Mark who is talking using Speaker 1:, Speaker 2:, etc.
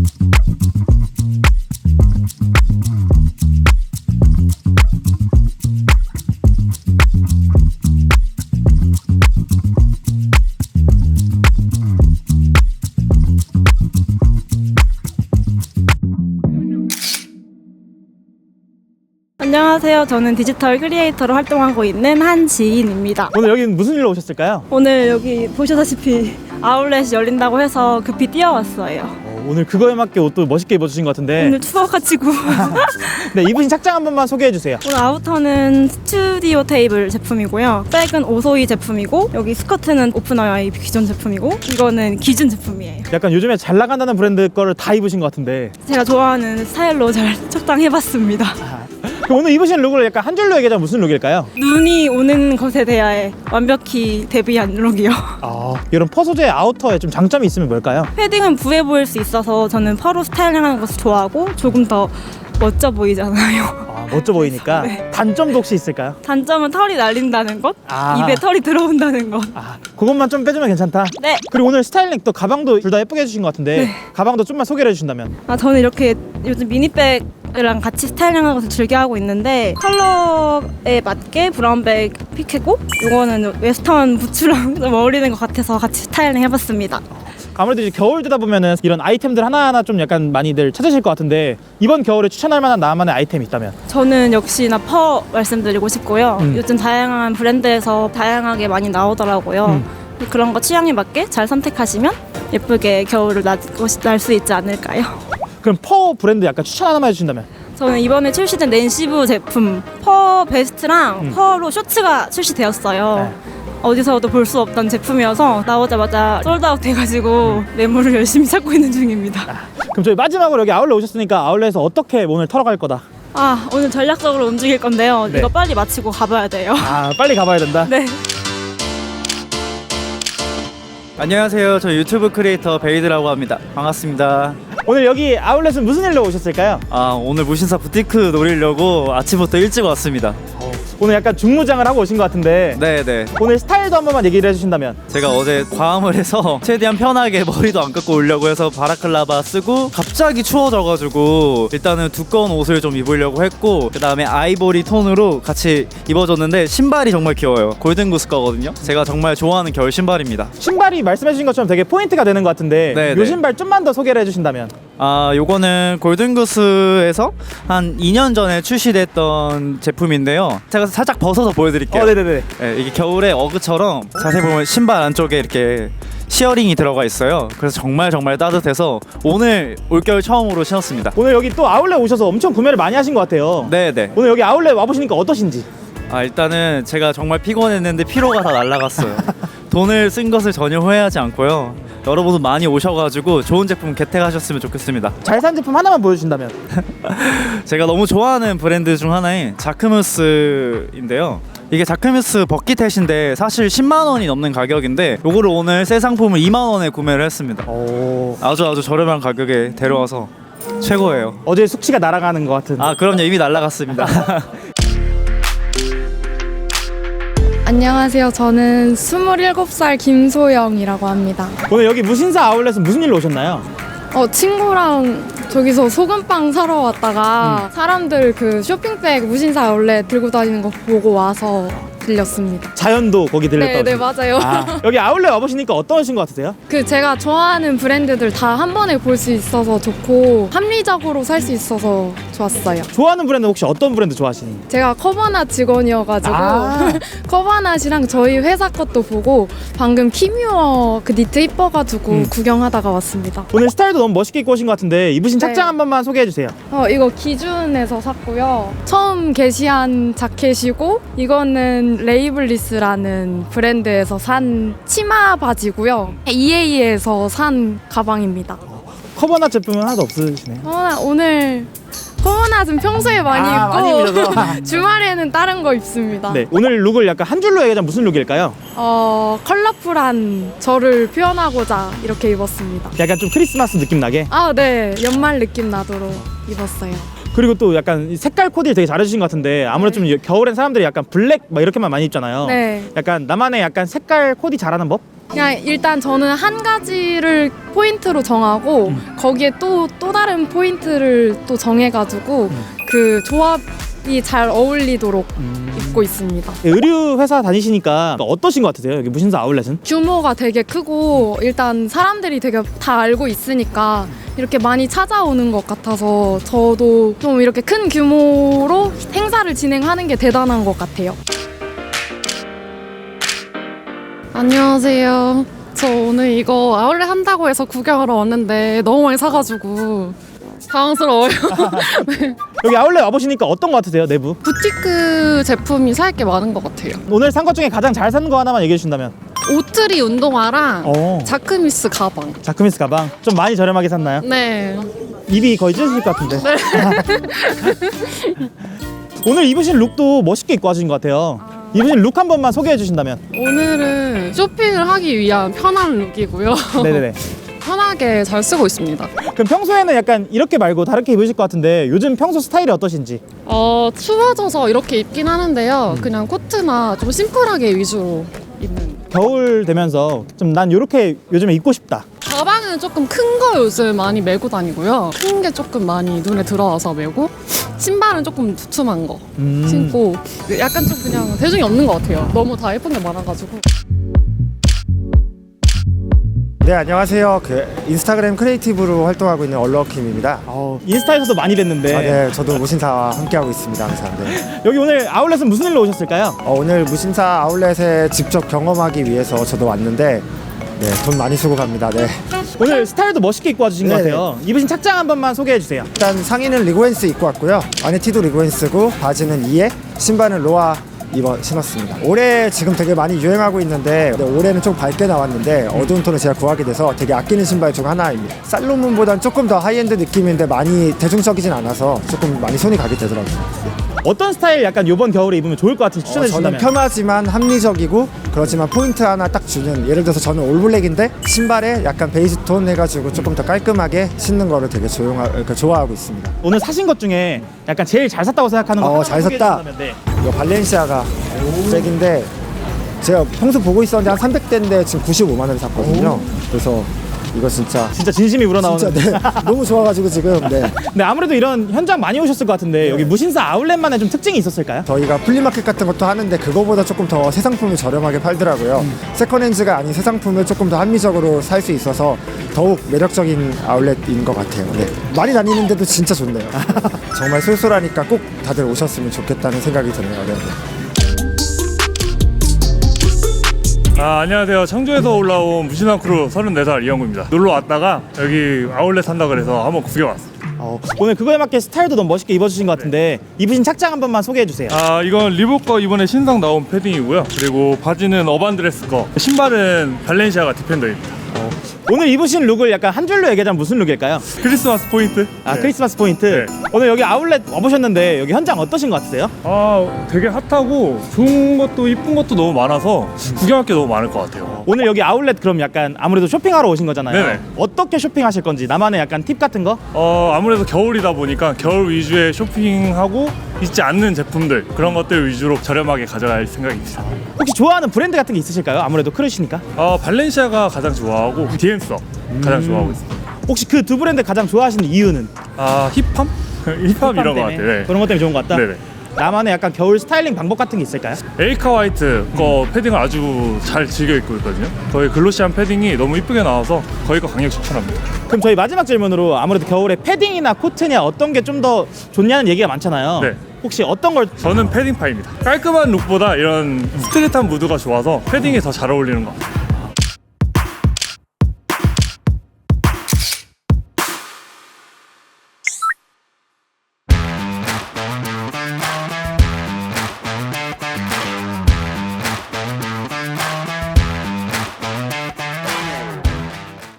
Speaker 1: 안녕하세요. 저는 디지털 크리에이터로 활동하고 있는 한지인입니다.
Speaker 2: 오늘 여기는 무슨 일로 오셨을까요?
Speaker 1: 오늘 여기 보시다시피 아울렛이 열린다고 해서 급히 뛰어왔어요.
Speaker 2: 오늘 그거에 맞게 옷도 멋있게 입어주신 것 같은데
Speaker 1: 오늘 추워가지고
Speaker 2: 네, 입으신 착장 한 번만 소개해주세요.
Speaker 1: 오늘 아우터는 스튜디오 테이블 제품이고요. 백은 오소이 제품이고 여기 스커트는 오픈어이 기존 제품이고 이거는 기준 제품이에요.
Speaker 2: 약간 요즘에 잘 나간다는 브랜드 거를 다 입으신 것 같은데
Speaker 1: 제가 좋아하는 스타일로 잘 적당해봤습니다.
Speaker 2: 그럼 오늘 입으신 룩을 약간 한 줄로 얘기하자면 무슨 룩일까요?
Speaker 1: 눈이 오는 것에 대하여 완벽히 대비한 룩이요.
Speaker 2: 이런 퍼 소재의 아우터에 좀 장점이 있으면 뭘까요?
Speaker 1: 패딩은 부해 보일 수 있어서 저는 퍼로 스타일링하는 것을 좋아하고 조금 더 멋져 보이잖아요.
Speaker 2: 멋져 보이니까.
Speaker 1: 네.
Speaker 2: 단점도 혹시 있을까요?
Speaker 1: 단점은 털이 날린다는 것, 입에 털이 들어온다는 것.
Speaker 2: 그것만 좀 빼주면 괜찮다.
Speaker 1: 네.
Speaker 2: 그리고 오늘 스타일링 또 가방도 둘 다 예쁘게 해주신 것 같은데
Speaker 1: 네.
Speaker 2: 가방도 좀만 소개를 해주신다면.
Speaker 1: 저는 이렇게 요즘 미니백이랑 같이 스타일링하는 것을 즐겨 하고 있는데 컬러에 맞게 브라운백 픽했고 이거는 웨스턴 부츠랑 좀 어울리는 것 같아서 같이 스타일링 해봤습니다.
Speaker 2: 아무래도 이제 겨울 되다 보면은 이런 아이템들 하나하나 좀 약간 많이들 찾으실 것 같은데 이번 겨울에 추천할 만한 나만의 아이템이 있다면?
Speaker 1: 저는 역시나 퍼 말씀드리고 싶고요. 요즘 다양한 브랜드에서 다양하게 많이 나오더라고요. 그런 거 취향에 맞게 잘 선택하시면 예쁘게 겨울을 날 수 있지 않을까요?
Speaker 2: 그럼 퍼 브랜드 약간 추천 하나만 해주신다면?
Speaker 1: 저는 이번에 출시된 낸시브 제품 퍼 베스트랑 퍼로 쇼츠가 출시되었어요.
Speaker 2: 네.
Speaker 1: 어디서도 볼 수 없던 제품이어서 나오자마자 솔드아웃 돼가지고 매물을 열심히 찾고 있는 중입니다.
Speaker 2: 그럼 저희 마지막으로 여기 아울렛 오셨으니까 아울렛에서 어떻게 오늘 털어갈 거다?
Speaker 1: 오늘 전략적으로 움직일 건데요.
Speaker 2: 네.
Speaker 1: 이거 빨리 마치고 가봐야 돼요.
Speaker 2: 빨리 가봐야 된다.
Speaker 1: 네.
Speaker 3: 안녕하세요. 저 유튜브 크리에이터 베이드라고 합니다. 반갑습니다.
Speaker 2: 오늘 여기 아울렛은 무슨 일로 오셨을까요?
Speaker 3: 오늘 무신사 부티크 노리려고 아침부터 일찍 왔습니다.
Speaker 2: 오늘 약간 중무장을 하고 오신 것 같은데
Speaker 3: 네네.
Speaker 2: 오늘 스타일도 한 번만 얘기를 해주신다면?
Speaker 3: 제가 어제 과음을 해서 최대한 편하게 머리도 안 감고 오려고 해서 바라클라바 쓰고 갑자기 추워져가지고 일단은 두꺼운 옷을 좀 입으려고 했고 그 다음에 아이보리 톤으로 같이 입어줬는데 신발이 정말 귀여워요. 골든구스 거거든요. 제가 정말 좋아하는 겨울 신발입니다.
Speaker 2: 신발이 말씀해주신 것처럼 되게 포인트가 되는 것 같은데
Speaker 3: 네네.
Speaker 2: 요 신발 좀만 더 소개를 해주신다면?
Speaker 3: 요거는 골든구스에서 한 2년 전에 출시됐던 제품인데요. 제가 살짝 벗어서 보여드릴게요.
Speaker 2: 네네네.
Speaker 3: 네, 이게 겨울에 어그처럼 자세히 보면 신발 안쪽에 이렇게 시어링이 들어가 있어요. 그래서 정말 따뜻해서 오늘 올겨울 처음으로 신었습니다.
Speaker 2: 오늘 여기 또 아울렛 오셔서 엄청 구매를 많이 하신 것 같아요.
Speaker 3: 네네.
Speaker 2: 오늘 여기 아울렛 와보시니까 어떠신지?
Speaker 3: 일단은 제가 정말 피곤했는데 피로가 다 날아갔어요. 돈을 쓴 것을 전혀 후회하지 않고요. 여러분도 많이 오셔가지고 좋은 제품 개택하셨으면 좋겠습니다.
Speaker 2: 잘 산 제품 하나만 보여주신다면?
Speaker 3: 제가 너무 좋아하는 브랜드 중 하나인 자크무스인데요. 이게 자크무스 버킷햇인데 사실 10만 원이 넘는 가격인데 요거를 오늘 새 상품을 2만 원에 구매를 했습니다. 아주 저렴한 가격에 데려와서 최고예요.
Speaker 2: 어제 숙취가 날아가는 것 같은.
Speaker 3: 그럼요. 이미 날아갔습니다.
Speaker 4: 안녕하세요. 저는 27살 김소영이라고 합니다.
Speaker 2: 오늘 여기 무신사 아울렛은 무슨 일로 오셨나요?
Speaker 4: 친구랑 저기서 소금빵 사러 왔다가 사람들 그 쇼핑백 무신사 아울렛 들고 다니는 거 보고 와서 들렸습니다.
Speaker 2: 자연도 거기 들렸다고.
Speaker 4: 네, 맞아요.
Speaker 2: 여기 아울렛 와보시니까 어떠신 것 같으세요?
Speaker 4: 그 제가 좋아하는 브랜드들 다 한 번에 볼 수 있어서 좋고 합리적으로 살 수 있어서 좋았어요.
Speaker 2: 좋아하는 브랜드 혹시 어떤 브랜드 좋아하시니?
Speaker 4: 제가 커버낫 직원이어가지고 커버낫이랑 저희 회사 것도 보고 방금 키뮤어 그 니트 이뻐가지고 구경하다가 왔습니다.
Speaker 2: 오늘 스타일도 너무 멋있게 입고 오신 것 같은데 입으신
Speaker 4: 네.
Speaker 2: 착장 한 번만 소개해주세요.
Speaker 4: 이거 기준에서 샀고요. 처음 게시한 자켓이고 이거는 레이블리스라는 브랜드에서 산 치마 바지고요. EA에서 산 가방입니다.
Speaker 2: 커버낫 제품은 하나도 없으시네요.
Speaker 4: 오늘 커버낫은 평소에 많이 입고
Speaker 2: 많이 입으셔서.
Speaker 4: 주말에는 다른 거 입습니다.
Speaker 2: 네, 오늘 룩을 약간 한 줄로 얘기하자면 무슨 룩일까요?
Speaker 4: 컬러풀한 저를 표현하고자 이렇게 입었습니다.
Speaker 2: 약간 좀 크리스마스 느낌 나게.
Speaker 4: 네. 연말 느낌 나도록 입었어요.
Speaker 2: 그리고 또 약간 색깔 코디를 되게 잘해주신 것 같은데 아무래도 좀 겨울엔 사람들이 약간 블랙 막 이렇게만 많이 입잖아요.
Speaker 4: 네.
Speaker 2: 약간 나만의 약간 색깔 코디 잘하는 법?
Speaker 4: 그냥 일단 저는 한 가지를 포인트로 정하고 거기에 또 다른 포인트를 또 정해가지고 그 조합이 잘 어울리도록 입고 있습니다.
Speaker 2: 의류 회사 다니시니까 어떠신 것 같으세요? 여기 무신사 아울렛은?
Speaker 4: 규모가 되게 크고 일단 사람들이 되게 다 알고 있으니까 이렇게 많이 찾아오는 것 같아서 저도 좀 이렇게 큰 규모로 행사를 진행하는 게 대단한 것 같아요.
Speaker 5: 안녕하세요. 저 오늘 이거 아울렛 한다고 해서 구경하러 왔는데 너무 많이 사가지고 당황스러워요.
Speaker 2: 여기 아울렛 와보시니까 어떤 것 같으세요? 내부?
Speaker 5: 부티크 제품이 살 게 많은 것 같아요.
Speaker 2: 오늘 산 것 중에 가장 잘 산 거 하나만 얘기해 주신다면?
Speaker 5: 오트리 운동화랑 자크미스 가방.
Speaker 2: 자크미스 가방 좀 많이 저렴하게 샀나요?
Speaker 5: 네.
Speaker 2: 입이 거의 찢어질 것 같은데. 오늘 입으신 룩도 멋있게 입고 와주신 것 같아요. 입으신 룩 한 번만 소개해 주신다면?
Speaker 5: 오늘은 쇼핑을 하기 위한 편한 룩이고요.
Speaker 2: 네네네.
Speaker 5: 편하게 잘 쓰고 있습니다.
Speaker 2: 그럼 평소에는 약간 이렇게 말고 다르게 입으실 것 같은데 요즘 평소 스타일이 어떠신지?
Speaker 5: 추워져서 이렇게 입긴 하는데요. 그냥 코트나 좀 심플하게 위주로 입는.
Speaker 2: 겨울 되면서 좀 난 이렇게 요즘에 입고 싶다.
Speaker 5: 가방은 조금 큰 거 요즘 많이 메고 다니고요. 큰 게 조금 많이 눈에 들어와서 메고, 신발은 조금 두툼한 거 신고, 약간 좀 그냥 대중이 없는 것 같아요. 너무 다 예쁜 게 많아가지고.
Speaker 6: 네, 안녕하세요. 인스타그램 크리에이티브로 활동하고 있는 얼러킴입니다.
Speaker 2: 인스타에서도 많이 뵀는데
Speaker 6: 네, 저도 무신사와 함께하고 있습니다, 항상. 네.
Speaker 2: 여기 오늘 아울렛은 무슨 일로 오셨을까요?
Speaker 6: 오늘 무신사 아울렛에 직접 경험하기 위해서 저도 왔는데, 네, 돈 많이 쓰고 갑니다. 네.
Speaker 2: 오늘 스타일도 멋있게 입고 와주신 것
Speaker 6: 네네.
Speaker 2: 같아요. 입으신 착장 한 번만 소개해 주세요.
Speaker 6: 일단 상의는 리고엔스 입고 왔고요. 안에 티도 리고엔스고, 바지는 이에, 신발은 로아 신었습니다. 올해 지금 되게 많이 유행하고 있는데 올해는 좀 밝게 나왔는데 어두운 톤을 제가 구하게 돼서 되게 아끼는 신발 중 하나입니다. 살로몬보단 조금 더 하이엔드 느낌인데 많이 대중적이진 않아서 조금 많이 손이 가게 되더라고요.
Speaker 2: 어떤 스타일 약간 이번 겨울에 입으면 좋을 것 같은지 추천해
Speaker 6: 저는
Speaker 2: 주신다면?
Speaker 6: 편하지만 합리적이고 그렇지만 포인트 하나 딱 주는, 예를 들어서 저는 올블랙인데 신발에 약간 베이지 톤 해가지고 조금 더 깔끔하게 신는 거를 되게 좋아하고 있습니다.
Speaker 2: 오늘 사신 것 중에 약간 제일 잘 샀다고 생각하는 거 하나만
Speaker 6: 잘
Speaker 2: 소개해
Speaker 6: 샀다.
Speaker 2: 주신다면? 네.
Speaker 6: 이거 발렌시아가 백인데 제가 평소 보고 있었는데 한 300대인데 지금 95만 원에 샀거든요. 그래서 이거 진짜
Speaker 2: 진심이 우러나오는.
Speaker 6: 네, 너무 좋아가지고 지금. 네.
Speaker 2: 네, 아무래도 이런 현장 많이 오셨을 것 같은데 여기 무신사 아울렛만의 좀 특징이 있었을까요?
Speaker 6: 저희가 플리마켓 같은 것도 하는데 그거보다 조금 더 새 상품을 저렴하게 팔더라고요. 세컨핸즈가 아닌 새 상품을 조금 더 합리적으로 살 수 있어서 더욱 매력적인 아울렛인 것 같아요. 네. 많이 다니는데도 진짜 좋네요. 정말 쏠쏠하니까 꼭 다들 오셨으면 좋겠다는 생각이 드네요. 네.
Speaker 7: 안녕하세요. 청주에서 올라온 무신사 크루 34살 이영구입니다. 놀러 왔다가 여기 아울렛 산다 그래서 한번 구경 왔습니다.
Speaker 2: 오늘 그거에 맞게 스타일도 너무 멋있게 입어주신 것 같은데 입으신 착장 한 번만 소개해 주세요.
Speaker 7: 이건 리복 거 이번에 신상 나온 패딩이고요. 그리고 바지는 어반드레스 거, 신발은 발렌시아가 디펜더입니다.
Speaker 2: 오늘 입으신 룩을 약간 한 줄로 얘기하자면 무슨 룩일까요?
Speaker 7: 크리스마스 포인트? 네.
Speaker 2: 크리스마스 포인트.
Speaker 7: 네.
Speaker 2: 오늘 여기 아울렛 와보셨는데 여기 현장 어떠신 것 같으세요?
Speaker 7: 되게 핫하고 좋은 것도 이쁜 것도 너무 많아서 구경할 게 너무 많을 것 같아요.
Speaker 2: 오늘 여기 아울렛 그럼 약간 아무래도 쇼핑하러 오신 거잖아요.
Speaker 7: 네네.
Speaker 2: 어떻게 쇼핑하실 건지 나만의 약간 팁 같은 거?
Speaker 7: 아무래도 겨울이다 보니까 겨울 위주의 쇼핑하고 있지 않는 제품들, 그런 것들 위주로 저렴하게 가져갈 생각입니다.
Speaker 2: 혹시 좋아하는 브랜드 같은 게 있으실까요? 아무래도 크루시니까.
Speaker 7: 발렌시아가 가장 좋아하고 디엠서 가장 좋아하고 있습니다.
Speaker 2: 혹시 그 두 브랜드 가장 좋아하시는 이유는?
Speaker 7: 힙함? 힙함 이런 것 같아요. 네.
Speaker 2: 그런 것 때문에 좋은 것 같다?
Speaker 7: 네네.
Speaker 2: 나만의 약간 겨울 스타일링 방법 같은 게 있을까요?
Speaker 7: 에이카 화이트 거 패딩을 아주 잘 즐겨 입고 있거든요. 거의 글로시한 패딩이 너무 이쁘게 나와서 거의 거 강력 추천합니다.
Speaker 2: 그럼 저희 마지막 질문으로 아무래도 겨울에 패딩이나 코트냐 어떤 게 좀 더 좋냐는 얘기가 많잖아요.
Speaker 7: 네.
Speaker 2: 혹시 어떤 걸?
Speaker 7: 저는 패딩파입니다. 깔끔한 룩보다 이런 스트릿한 무드가 좋아서 패딩이 더 잘 어울리는 것 같아요.